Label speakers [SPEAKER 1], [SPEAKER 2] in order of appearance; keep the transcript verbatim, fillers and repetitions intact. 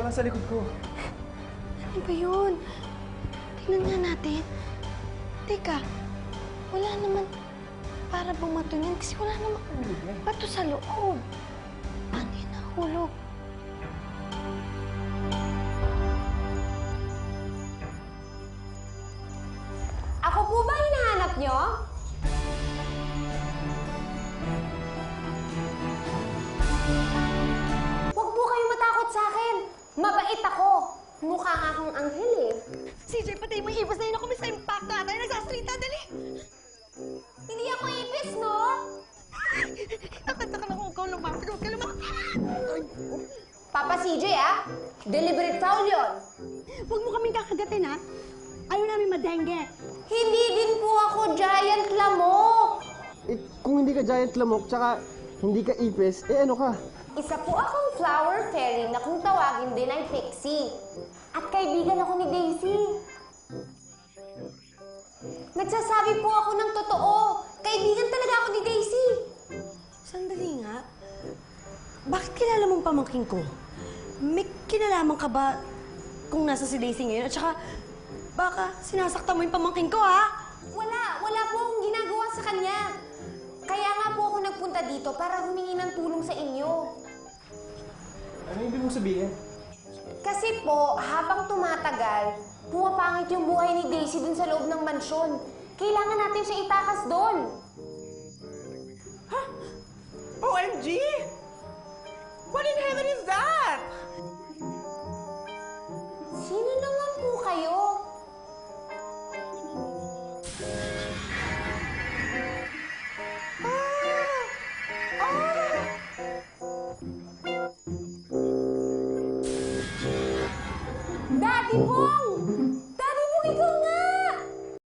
[SPEAKER 1] nasa likod ko.
[SPEAKER 2] Ano ba yun? Tingnan nga natin. Teka, wala naman para bumato niyan kasi wala naman bato sa loob. Ano yun nahulog?
[SPEAKER 3] Ako po ba hinahanap nyo? Huwag po kayong matakot sa akin. Mabait ako. Mukha nga akong anghel eh.
[SPEAKER 2] C J, patay mo yung ibas na yun ako. May sa impact na tayo. Nagsasrita, dali!
[SPEAKER 3] Hindi ako ipis, no?
[SPEAKER 2] Nakanta ka lang kung ikaw lumapit. Huwag ka lumapit!
[SPEAKER 3] Papa C J, ah. Deliberate foul yun.
[SPEAKER 2] Huwag mo kaming kakagatin, ha? Ayaw namin madengge.
[SPEAKER 3] Hindi din po ako giant lamok.
[SPEAKER 1] Eh, kung hindi ka giant lamok, tsaka hindi ka ipis, eh ano ka?
[SPEAKER 3] Isa po akong flower fairy na kung tawagin din ay pixie. At kaibigan ako ni Daisy. Nagsasabi po ako ng totoo. Kaibigan talaga ako ni Daisy.
[SPEAKER 2] Sandali nga. Bakit kilala mong pamangking ko? May kinalaman ka ba kung nasa si Daisy ngayon? At saka, baka sinasaktan mo yung pamangking ko, ha?
[SPEAKER 3] Wala. Wala po akong ginagawa sa kanya. Kaya nga po ako nagpunta dito para humingi ng tulong sa inyo.
[SPEAKER 1] Ano ibig mong sabihin?
[SPEAKER 3] Kasi po, habang tumatagal, pumapangit yung buhay ni Daisy dun sa loob ng mansyon. Kailangan natin siya itakas doon.
[SPEAKER 4] Huh? O M G! What in heaven is that?
[SPEAKER 3] Sino naman po kayo?
[SPEAKER 4] Ah! Ah!
[SPEAKER 3] Daddy Bong!